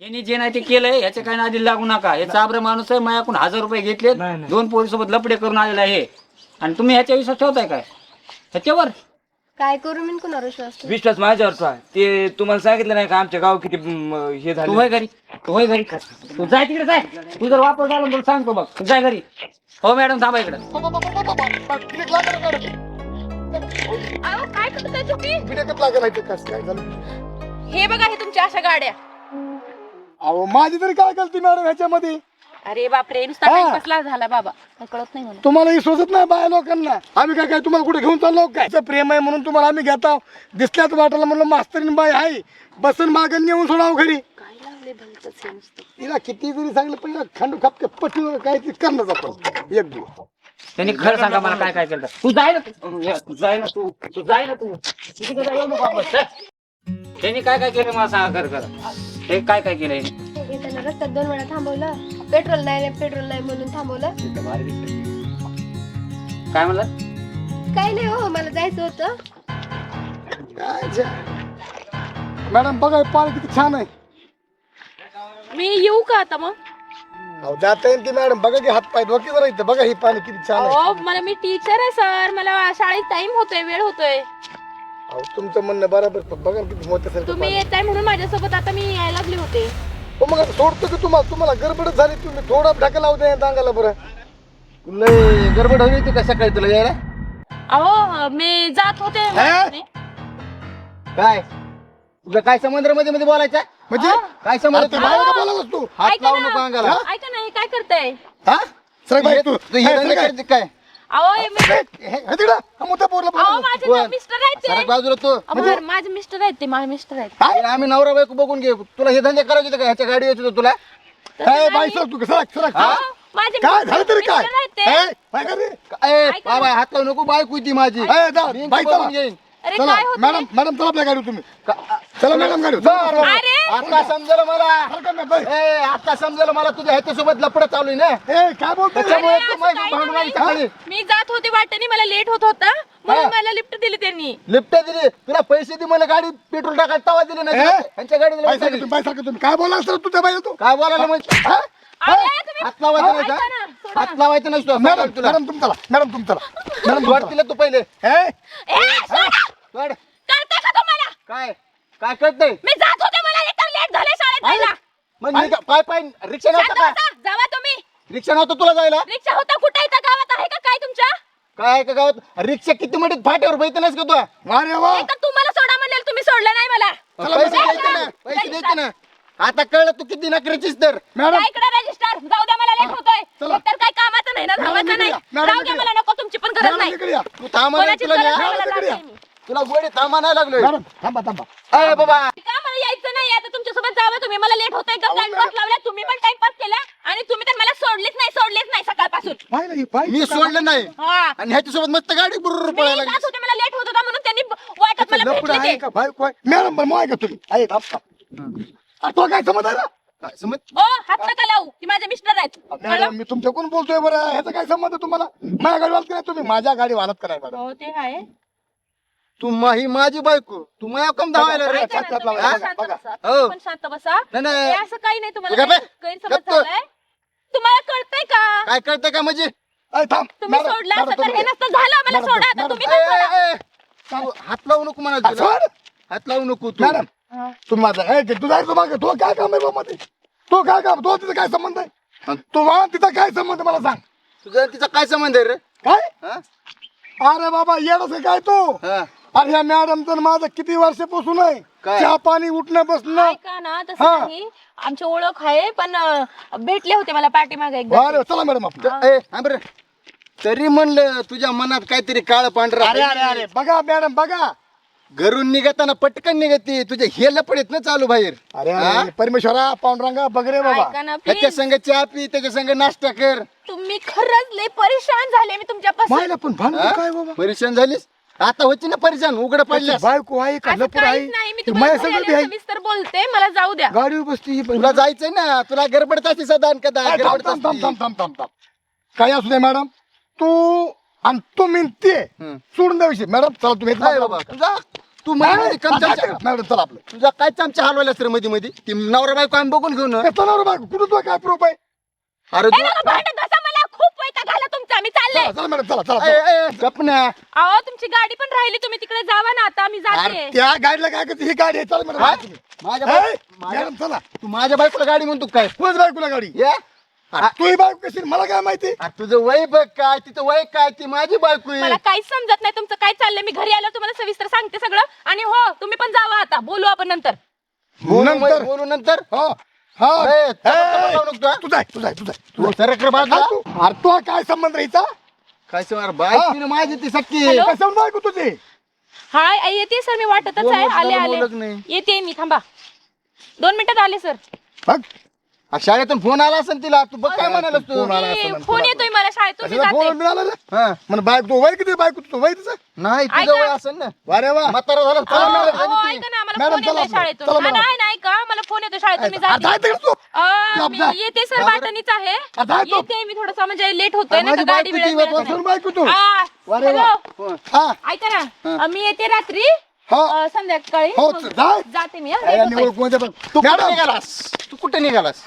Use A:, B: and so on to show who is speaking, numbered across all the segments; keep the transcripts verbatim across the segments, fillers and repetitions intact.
A: यांनी जे नाही ते केलंय ह्याच्या काही नादी लागू नका. हे चाबरे माणूस आहे, माझ्याकडून हजार रुपये घेतले, दोन पोरीसोबत लपडे करून आलेला आहे आणि तुम्ही ह्याच्या विश्वास ठेवताय काय ह्याच्यावर?
B: काय करू मी कुणावर विश्वास ठेवू?
C: विश्वास माझ्यावरचा आहे. ते तुम्हाला सांगितलं नाही का आमच्या गाव किती म, हे
A: तू
C: झालं.
A: होय घरी, तू होय घरी, तू जाय तिकडे जाय. तू जर वापर झाला तर सांगतो बघ, तू जाय घरी. हो मॅडम थांबा इकडे.
D: अहो, काय करताय तुम्ही?
E: काय झालं?
D: हे बघा, हे तुमच्या अशा गाड्या.
E: अहो माझी तरी काय गलती मॅडम ह्याच्यामध्ये?
D: अरे बापरे, नुसता
E: हा.
D: टाइमपासला झाला बाबा. काय कळत नाही मला.
E: तुम्हाला ही सोचत नाही बाया लोकांना. आम्ही काय काय तुम्हाला कुठे घेऊन चाललो काय? तुमचं प्रेम आहे म्हणून तुम्हाला आम्ही घेता दिसल्याच वाटायला म्हणलं मास्तरीन बाई आहे बसन मागं नेऊन सोडावं घरी.
D: काय लावले भलतंच हे नुसतं.
E: तिला किती जरी सांगलं पहिला खंड खापके पटून काय ते करणं आपण एक दिवस.
A: त्यांनी खरं सांगा मला काय काय केलं. तू जाय ना, तू जाय ना, तू तू जाय ना, तू तू तिकडे जाय, येऊ नको वापस, चल. त्यांनी काय काय केलं मला सांगा खरं खरं. हे काय काय केलं यांनी?
B: हे त्यांना रस्त्यात दोन वेळा थांबवलं, पेट्रोल नाही पेट्रोल नाही म्हणून थांबवलं.
A: काय म्हणलं?
B: काही नाही हो, मला जायचं होतं.
E: काय जे- मॅडम बघा हे पाणी किती छान आहे.
D: मी येऊ का आता मग?
E: अहो जाता येईल की मॅडम बघा की हात पाय धोके जरा इथं बघा हे पाणी किती छान आहे.
D: अहो, मला मी टीचर आहे सर, मला शाळेत टाइम होतोय, वेळ होतोय.
E: अहो तुमचं म्हणणं बरोबर पण बघा ना किती मोठं असेल ते
D: तुम्ही
E: पाणी.
D: येताय म्हणून माझ्यासोबत आता मी यायला लागले होते.
E: हो मग आता सोडतो की तुम्हाला तुम्हाला गडबडच झाली तुम्ही थोडा ढाका लावू द्या अंगाला बरं.
C: लय गडबड हवी होती का सकाळी तुला यायला?
D: अहो, मी जात होते.
E: हा?
C: काय तुझं काय समुद्र मध्ये मध्ये बोलायचं?
E: म्हणजे
C: काय समोर
E: आता बाहेर का बोलावंस तू?
C: हात
D: ऐका
C: लावू
D: ना.
C: नको अंगाला.
D: ऐका ना, हे काय करताय?
E: हा? सरक बाई तू.
C: तू हे
E: हे,
C: धंदे
E: सरक
C: करते काय?
D: अहो, हे मी-
E: हे, हे, हे तिकडं. हा मुद्दा पोरला
D: अहो,
E: बोलावं.
D: माझे
C: कोण?
D: ना मिस्टर आहेत
C: सरक
D: ते.
C: बाजूला तू.
D: अहो, बरं, माझे मिस्टर आहेत ते, माझे मिस्टर आहेत.
E: काय?
C: आम्ही नवरा बायको बघून घे. तुला हे धंदे करायचे होते का? ह्याच्या गाडी यायची होती तुला?
D: तसं
E: हे, बाई
D: नाही.
E: सरक तू सरक सरक
D: अहो,
E: सरक.
D: माझे
E: काय झालं तरी काय
D: मिस्टर आहेत ते.
E: हे, काय कर रे?
C: ए,
D: ऐका ना.
C: बाबा हात लावू नको. बायको ती माझी.
E: हे, जा,
C: मी
E: बाई
C: बघून
E: चला.
C: घेईन.
D: अरे
E: चला
D: काय होत
E: मॅडम मॅडम चला आपल्या गाडीवर तुम्ही चला मॅडम गाडीवर
C: बरं,
E: चला.
C: बरं.
D: अरे
C: आता समजलं मला.
E: सरका ना, बाई.
C: ए, आता समजलं मला तुझ्या ह्याच्यासोबत लपडं चालू आहे ना.
E: हे, काय बोलतोय
C: त्याच्यामुळे
D: अरे,
C: तू
D: असं
C: माझी
D: काही
C: भांडून
D: नाही.
C: राहिली सकाळी.
D: मी जात होते वाटेने, मला लेट होत होता म्हणून
C: हा.
D: मला लिफ्ट दिली त्यांनी.
C: लिफ्ट दिली तुला पैसे दे मला गाडी पेट्रोल टाकायला तवा दिले नाही
E: ए?
C: ह्यांच्या गाडीला
E: बाई
C: लिफ्ट
E: सारखं
C: दिली.
E: तुम्ही बाई सारखं तुम्ही काय बोला सर तू त्या बाई तू
C: काय बोलायला म्हणजे हा?
D: अरे, तुम्ही-
C: हात लावायचं नाही
D: ऐका
C: का?
D: ना, सोडा.
C: हात लावायचं नसतो
E: मॅडम
C: तुला
E: मॅडम तुम चला मॅडम तुम चला मॅडम
C: वाट दिलं तू पहिले
E: हे
D: ए, सोडा.
C: वाट.
D: कळतंय का तुम्हाला?
C: काय काय कळतंय
D: मी जात होते, मला लेटर लेट झालं शाळेत जायला.
C: मग मी का- पाय पाय रिक्षा
D: शांत
C: नव्हता का
D: बसा, जावा तुम्ही.
C: रिक्षा नव्हतं तुला जायला
D: रिक्षा होता कुठे इथं गावात आहे का काय तुमच्या?
C: काय का गावात रिक्षा किती मिनिट फाट्यावर बैठ नाहीस का तू
E: अरे वा
D: एक तर तुम्हाला सोडा म्हणलेलं, तुम्ही सोडलं नाही मला.
E: चला,
C: पैसे
E: मॅडम.
C: द्यायचे ना पैसे द्यायचे ना आता कळलं तू किती नकरीचीस तर
E: मॅडम
D: या इकडे रजिस्टर जाऊ द्या, मला लेट होतोय.
E: चला.
D: एकतर काय कामाचं नाही ना,
E: मॅडम,
D: धावाचं
E: इकडे
D: नाही.
E: या. मॅडम,
D: जाऊ द्या,
E: इकडे
D: मला नको, तुमची पण गरज
E: मॅडम
D: नाही.
E: इकडे या
C: तू थांबा नाही
D: कोणाची
C: तुला
D: गरज
C: न्या.
D: नाही, मला
E: मॅडम, इकडे
D: जाते
E: या.
D: मी.
C: तुला गोडी थांबा नाही लागलोय
E: मॅडम थांबा थांबा
C: अरे बाबा
D: का मला यायचं नाही आता तुमच्यासोबत जावं तुम्ही? मला लेट होतंय, एकदम
E: अहो,
D: टाइमपास
E: मॅडम.
D: लावला, तुम्ही पण टाइमपास केला आणि तुम्ही तर मला सोडलेच नाही सोडलेच नाही सकाळपासून.
E: पाहिलं ही पाहिलं
C: मी सोडलं नाही
D: हा.
C: आणि ह्याच्यासोबत मस्त गाडी बुरुर
D: मी
C: पळायला
D: जात
C: लागली
D: होते, मला लेट होत होता म्हणून त्यांनी वाटत मला
E: लपड
D: भेटले
E: आहे
D: ते.
E: का बाई काय मॅडम पण मोय का तुम्ही आहे थांब थांब आ, तो काय समज आहे ना
C: काय समज
D: ओ, हात नका लावू, ती माझे मिस्टर आहेत. कळलं?
E: मॅडम मी तुमच्या कोण बोलतोय बरं ह्याचा काय संबंध तुम्हाला माझ्या गाडी वालत नाही तुम्ही माझ्या गाडी वालत कराय मॅडम
D: हो, ते आहे.
C: तू मा- ही माझी बायको तू माझ्या कम धावायला रे
D: ऐका ना,
E: शांत
D: तुम्ही
E: बघा,
D: पण शांत
E: बघा.
D: बसा.
C: हो.
D: तुम्ही पण शांत बसा.
C: नाही, नाही.
D: हे असं काही नाही, तुम्हाला
C: गप्प आहे.
D: काही गैरसमज
C: गप्प.
D: झालाय. तुम्हाला कळतंय का?
C: काय कळतंय का म्हणजे
E: अय, थांब
D: तुम्ही
E: मॅडम,
D: सोडलं
E: मॅडम,
D: असं तर
E: तुम्ही-
D: हे नसतं झालं. मला
E: मॅडम,
D: सोडा आता,
E: मॅडम,
D: तुम्ही
C: ए,
D: पण सोडा.
C: ए, ए, तू हात लावू नको म्हणा
E: आ, सोड.
C: हात लावू नको तू
E: मॅडम
D: हा.
E: तुम्ही माझा ए, तू जायचं मागे तो काय काम आहे बाबा ते तो काय काम तो तिचा काय संबंध आहे तो वा तिचा काय संबंध आहे मला सांग
C: तुझा तिचा काय संबंध आहे रे
E: काय
C: हा?
E: अरे बाबा येडस काय तू
C: हा.
E: अरे ह्या मॅडम तर माझं किती वर्षापासून आहे
C: काय?
E: चहा पाणी उठणं बसणं
D: ऐका ना, तसं
E: हा.
D: नाही. आमची ओळख आहे पण अं, भेटले होते मला पाठीमागे एकदा.
E: अरे चला मॅडम आपण
C: त- ए, हा बरं. तरी म्हणलं तुझ्या मनात काहीतरी काळ पांढरा
E: अरे अरे अरे बघा मॅडम बघा
C: घरून निघताना पटकन निघते तुझे हे लपडेत ना चालू बाहेर
E: अरे
C: हा?
E: अरे परमेश्वरा पांडुरंगा बघ रे बाबा
D: ऐका ना
C: त्याच्या
D: प्लीज,
C: संग चहा पी त्याच्या संग नाश्ता कर
D: तुम्ही खरंच लय परेशान झाले मी तुमच्यापासून.
E: मायला पण भांडण
C: हा?
E: काय बाबा
C: परेशान झालीस आता होती ना परेशान उघड पडल्यास
E: बायको आहे का
D: असं
E: लपूर आहे
D: काहीच नाही, मी
E: ती माझ्या
D: तुम्हाला
E: सगळं बी आहे
D: सविस्तर बोलते, मला जाऊ द्या.
E: गाडीवर बसती ही पण.
C: तुला जायचंय ना तुला गडबडत असते सदा आणि कदा
E: अरे, थांब,
C: गडबडत
E: थांब, थांब,
C: असते.
E: थांब, थांब, थांब, थांब. काय असू दे मॅडम तू आणि तुम्ही ते
C: हम्म.
E: सोडून द्या विषय मॅडम चला तुम्ही
C: काय बाबा जा तू मध्ये मध्ये कम
E: चला
C: चमचा
E: मॅडम चला आपलं
C: तुझा काय चमचा हलवायलास रे मध्ये मध्ये ती नवरा बायको आम्ही बघून घेऊ ना
E: कसं नवरा बायको कुठं तुला काय प्रूफ आहे
C: अरे
D: ए
C: तू
D: नका भांडण बसा, मला खूप वैताग आला तुमचा. मी चालले.
E: चला चला मॅडम चला चला
C: ए,
E: चला.
C: ए, गप ना
D: अहो तुमची गाडी पण राहिली, तुम्ही तिकडे जावा ना. आता मी
E: अरे
D: जाते.
E: त्या गाडीला काय करते ही गाडी आहे चला मॅडम
C: हा?
E: तुम्ही.
C: माझ्या
E: ए,
C: बाय- माझ्या-
E: मॅडम चला
C: तू माझ्या बायकोला गाडी म्हणतो काय
E: तुझ्याच बायकोला गाडी
C: ये
E: अरे तू ही बायको कशी मला काय माहिती
C: अरे तुझं वय बघ काय तिचं वय काय ती माझी बायको आहे
D: मला काहीच समजत नाही तुमचं काय चाललंय. मी घरी आल्यावर तुम्हाला सविस्तर सांगते सगळं. आणि हो तुम्ही पण जावा आता, बोलू आपण नंतर.
C: बोलू
E: नंतर.
C: बोलू नंतर
E: हा हा
C: ए,
E: ए,
C: तू जाऊ नको तू, हा?
E: तुझा आहे, तुझा आहे, तुझा आहे, तुझा
C: तू
E: आहे.
C: सरक रे बाजूला.
E: हा, तू- अरे तू काय संबंध राहायचा
C: काय सर बायको माझी ती सक्की
D: हॅलो?
E: कशावर बायको तुझी
D: हाय आई, येते सर. मी वाटतच
C: बोल,
D: आहे.
C: बोल,
D: आले
C: बोलत
D: आले
C: नाही.
D: येते मी. थांबा दोन मिनिटात आले सर.
E: बघ
C: आ, शाळेतून फोन आला असेल तिला तू बघ काय म्हणाल तू
E: फोन आला
D: ए,
E: असं म्हणतो
D: फोन
E: मला.
D: येतोय मला शाळेतून. मी
E: कशाला
D: जाते.
E: फोन मिळाला रे
C: हा
E: म्हण बायको वय किती बायको तुझं वय तिचं
C: नाही
D: ऐका.
C: तुझं वय असेल ना
E: अरे वा
C: म्हातारा झाला
D: अहो,
C: चालणार आहे
D: अहो,
C: ती.
D: ऐका ना, मला
E: मॅडम,
D: फोन
E: चला
D: येतोय
E: आपलं.
D: शाळेतून.
E: चला
D: हा,
E: मॅडम.
D: नाही नाही का, मला फोन येतोय शाळेतून. मी
E: आता
D: जाते.
E: आहे तिकडे तू
D: अं,
E: जा,
D: मी
E: जा.
D: येते सर.
E: जा,
D: बाटणीच आहे.
E: आता आहे तो.
D: येते मी. थोडस म्हणजे लेट होतोय ना,
C: माझी
D: तर गाडी
C: बायको ती
D: वेळेत
C: बायको
D: मिळत
E: कशावर
D: नाही.
E: बायको तू
D: आ,
E: अरे वा.
D: हॅलो.
C: हो.
E: हा
D: ऐका ना, अं, मी येते रात्री
E: हा
D: अं, संध्याकाळी.
E: हो,
D: मग
E: जाय.
D: जाते मी. हा,
E: अरे,
D: लेट होतोय.
E: निवड कोणत्या पण
C: तू कुठे
E: मॅडम
C: निघालास तू कुठे निघालास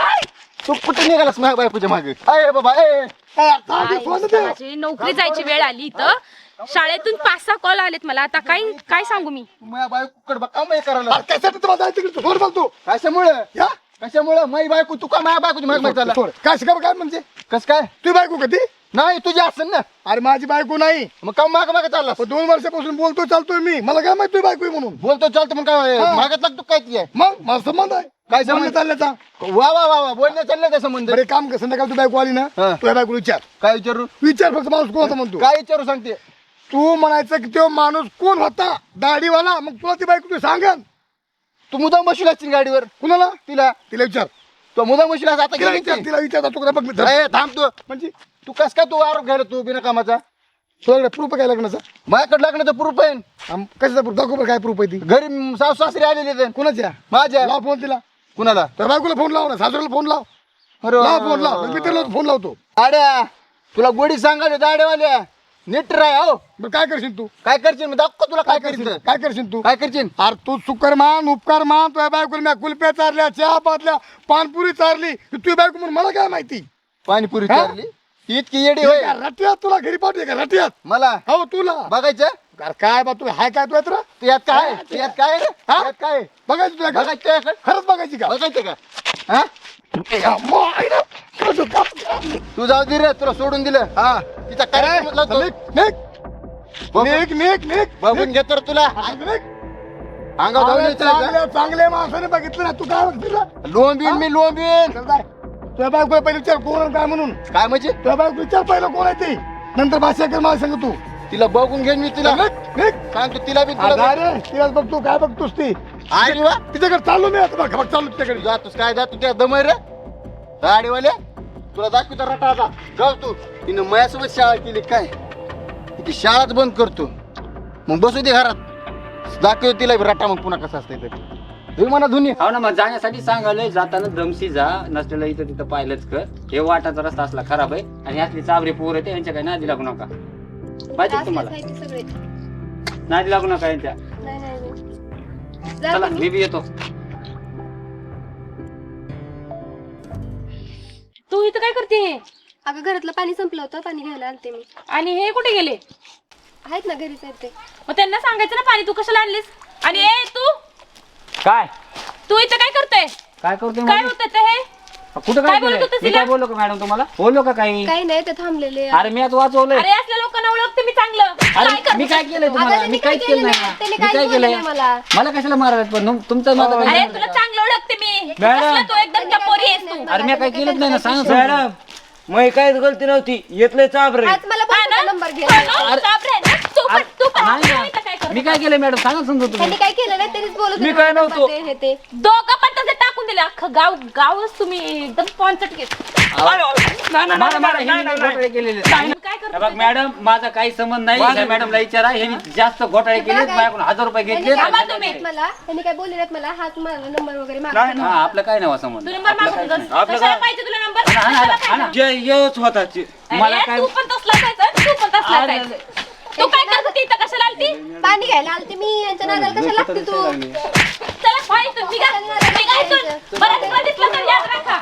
C: तू कुठे निघालास माझ्या बायकोच्या मागे अरे बाबा ए
E: ए, आता
D: आई,
E: आधी फोन दे.
D: माझी नोकरी जायची वेळ आली इथं. शाळेतून पाच सहा कॉल आलेत मला. आता काय काय सांगू मी.
C: तू माझ्या बायकोकडे बघ का माही करायला
E: अरे, कशासाठी तुम्हाला जायचं तिकडे फोन बोलतो
C: कशामुळं
E: या
C: कशामुळे माई बायको तू का माझ्या बायकोची मागे मागे चालला
E: सोड. काय शिकावं काय म्हणजे
C: कस काय
E: तुझी बायको कधी
C: नाही तुझी असेल ना
E: अरे माझी बायको नाही
C: मग का माग मागे चालला
E: पण दोन वर्षापासून बोलतोय चालतोय मी मला काय माहिती तुझी बायको आहे म्हणून
C: बोलतो चालतो मग काय
E: हा.
C: मागत लागतो काय ती आहे
E: मग माझा संबंध आहे
C: काय
E: बोलणं
C: संबंध?
E: चालल्याचा
C: वा वा वा वा बोलण्या चाललं का संबंध
E: बरे काम कर संध्याकाळ तू बायको आली ना
C: हा.
E: तुझ्या बायको विचार
C: काय विचारू
E: विचार फक्त माणूस कोण होता म्हणतो
C: काय विचारू सांगते
E: तू म्हणायचं की तो माणूस कोण होता दाढीवाला मग तुला ती बायको तू सांगन
C: तू मुदाम बसू लागशील गाडीवर
E: कुणाला
C: तिला
E: तिला विचार
C: तू मुदाम बसू आता
E: तिला
C: गेली
E: विचार
C: ती.
E: तिला विचार तू बघ मी धर.
C: ए, थांब तू
E: म्हणजे
C: तू कस काय तू आरोप घ्यायला तू बिना कामाचा
E: तुझ्याकडे प्रूफ काय लग्नाचा
C: माझ्याकडे लागण्याचं प्रूफ आहे
E: आम- कशाचा प्रूफ दाखव बरं काय प्रूफ आहे ती
C: घरी सासू सासरे आलेले आहेत.
E: कुणाच्या
C: माझ्या
E: लाव फोन तिला
C: कुणाला
E: तर बायकोला फोन लाव ना सासऱ्याला फोन लाव
C: अरे
E: लाव फोन लाव मी त्याला फोन लावतो
C: आड्या तुला गोडी सांगायला दाड्यावाल्या नीट राय हो
E: बरं काय करशील तू
C: काय करशील मी दाखव तुला काय
E: काय करशील
C: करशील
E: काय करशील तू
C: काय करशील
E: अरे तू सुकर मान उपकार मान तुझ्या बायकोला मी कुल्प्या चारल्या चहा पातल्या पानपुरी चारली तुझी बायको म्हणून मला काय माहिती
C: पाणीपुरी
E: हा?
C: चारली इतकी येडी होय
E: रटियात तुला घरी पाठवते का रटियात
C: मला
E: हो तुला
C: बघायचं
E: अरे काय बा तू हाय काय तू यात रा?
C: तू यात काय तू यात काय रे?
E: हा?
C: यात काय
E: बघायची तुला का?
C: बघायचं तुझ्याकडे?
E: खरंच बघायची का
C: बघायचं का हा
E: ए, अम्मा, आई रे. खरंच का?
C: तू जाऊ दे रे तुला सोडून दिलं
E: हा
C: तिचा कार्यक्रम
E: निघ,
C: लावतो.
E: निघ,
C: बघ-
E: निघ, निघ, निघ,
C: बघून
E: निघ.
C: घेतो रे तुला
E: निघ.
C: अंगावर जाऊन
E: अरे,
C: यायचं का?
E: चांगल्या चांगल्या माणसाने बघितलं ना तू काय बघितलं
C: लोंबीन मी लोंबीन
E: चल जाय. तुझ्या बायकोला पहिले विचार कोण आहे काय म्हणून
C: काय म्हणजे
E: तुझ्या बायको विचार पहिलं कोण आहे ते नंतर भाषा कर मला सांग तू
C: तिला बघून घेईन मी तिला
E: निघ, निघ.
C: सांगतो तिला बी
E: आ,
C: तुला
E: जा रे तिलाच बघतो काय बघतोस ती
C: अरे वा
E: तिच्याकडे चाललो मी आता बघ बघ चाललो तिच्याकडे
C: जातोस काय जातो त्या दमय रे गाडीवाल्या तुला दाखवतो रटा आता जाऊ तू तिनं माझ्यासोबत शाळा केली काय ती शाळाच बंद करतो मग बसू दे घरात दाखवतो तिला बी रटा मग पुन्हा कसं असतंय तरी तुम्ही म्हणा धुनी
A: हो ना मग जाण्यासाठी सांगालोय जाताना दमशी जा नसलेलं इथं तिथं पाहिलंच कर हे वाटाचा रस्ता असला खराब आहे आणि असली चाबरी पोर आहे यांच्या काही नादी लागू नका पाहिजे का तुम्हाला
B: असलेच आहे ते सगळे.
A: नादी लागू नका यांच्या
B: नाही नाही नाही. जा
A: चला
B: तुम्ही.
A: मी बी येतो
D: तू इथं काय करते.
B: अगं घरातलं पाणी संपलं होतं पाणी घ्यायला आलते मी.
D: आणि हे कुठे गेले.
B: आहेत ना घरीच आहेत ते.
D: मग त्यांना सांगायचं ना पाणी तू कशाला आणलीस. आणि ए तू
A: काय
D: तू इथं काय करतोय.
A: काय करतोय
D: काय
A: म्हणजे?
D: होतं ते हे.
A: कुठं
D: काय
A: काय
D: बोलत
A: केलंय?
D: होतीस
A: मी
D: तिला?
A: काय बोललो का मॅडम तुम्हाला बोललो का काही
B: काही नाही ते थांबलेले.
A: अरे मी आता वाचवलंय
D: अरे असल्या लोकांना ओळखते मी चांगलं. काय
A: अरे
D: करतो?
A: मी काय केलंय
B: अगं,
A: तुम्हाला
B: त्यांनी
A: मी
B: काय
A: काहीच केलं
B: केलं
A: नाही
B: नाही. त्यांनी
A: मी
B: काहीच
A: काय
B: बोललं
A: केलंय
B: नाही मला.
A: मला कशाला मारायला पण तुम- तुमचं माझं
D: अरे
A: काय
D: तुला चांगलं ओळखते मी.
A: मॅडम.
D: कसला तू एकदम टपोरी आहेस तू.
A: अरे मी काय केलंच नाही ना सांग
F: मॅडम मग काहीच गलती नव्हती येतलंय चाबरे
B: आज मला
D: हा ना?
B: पण नंबर घे.
D: हा ना? चाबरे आहे ना? तू पण तू पण
A: नाही
D: तू इथं काय
A: ना.
D: करतो?
A: मी काय केलंय मॅडम सांगा समजा तुम्ही
B: त्यांनी काय केलं नाही त्यांनीच बोलत
F: मी
B: होते
F: काय
B: मला
F: नव्हतो.
B: ते हे ते.
D: दोघं पण तसे टाकून दिले. अख्खं गाव गावच तुम्ही एकदम पॉन्चट घेत.
A: मला मारा, ह्यांनी लई घोटाळे केलेले आहेत.
D: काय
A: हे
D: करतो
A: बघ मॅडम माझा काही संबंध नाही ह्या मॅडमला विचारा ह्यांनी जास्त घोटाळे केले माझ्याकडून हजार रुपये
B: त्यांनी
A: घेतले
B: काय
D: थांबा
B: बोलले
D: तुम्ही.
B: नाहीत मला त्यांनी काय बोलले नाहीत मला हाच माझा नंबर वगैरे
A: हा
B: मागतो
A: आपलं काय नाही संबंध
D: तू नंबर मागत होतास.
F: आपलं
D: कशाला
F: काय?
D: पाहिजे तुला नंबर.
A: हा ना, हा ना,
D: कशाला
A: हा ना.
D: पाहिजे?
F: जे येऊच होता ते.
A: मला
D: अरे,
A: काय-
D: तू पण तसलाच आहेस हं? तू पण तसलाच
A: अरे,
D: आहेस. तू काय करत होती इथं? कशाला आलती?
B: पाणी घ्यायला आलते मी, यांच्या नादाला कशाला लागते तू?
D: चला व्हा इथून, निघा. निघा इथून. बरं तुला दिसलं तर याद राखा.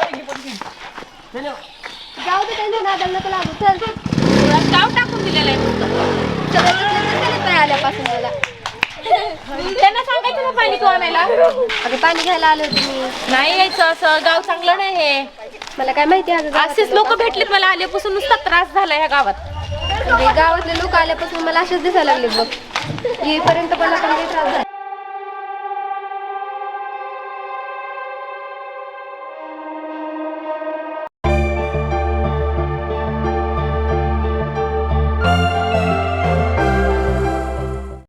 B: जाऊ दे, त्यांच्या नादाला नको लागू. चल
D: तुला गाव टाकून दिलेलं आहे तुमचं.
B: सगळं घेतलं तर त्याला काय आल्यापासून मला.
D: त्यांना सांगायचं ना पाणी तू आणायला.
B: अगं पाणी घ्यायला आले होते मी.
D: नाही यायचं असं, गाव चांगलं नाही हे.
B: मला काय माहिती आहे अगं,
D: असेच लोक भेटलेत मला आल्यापासून नुसता त्रास झाला ह्या गावात.
B: म्हणजे गावातले लोक आल्यापासून मला असेच दिसायला लागले बघ. येईपर्यंत मला पण काही त्रास झाला.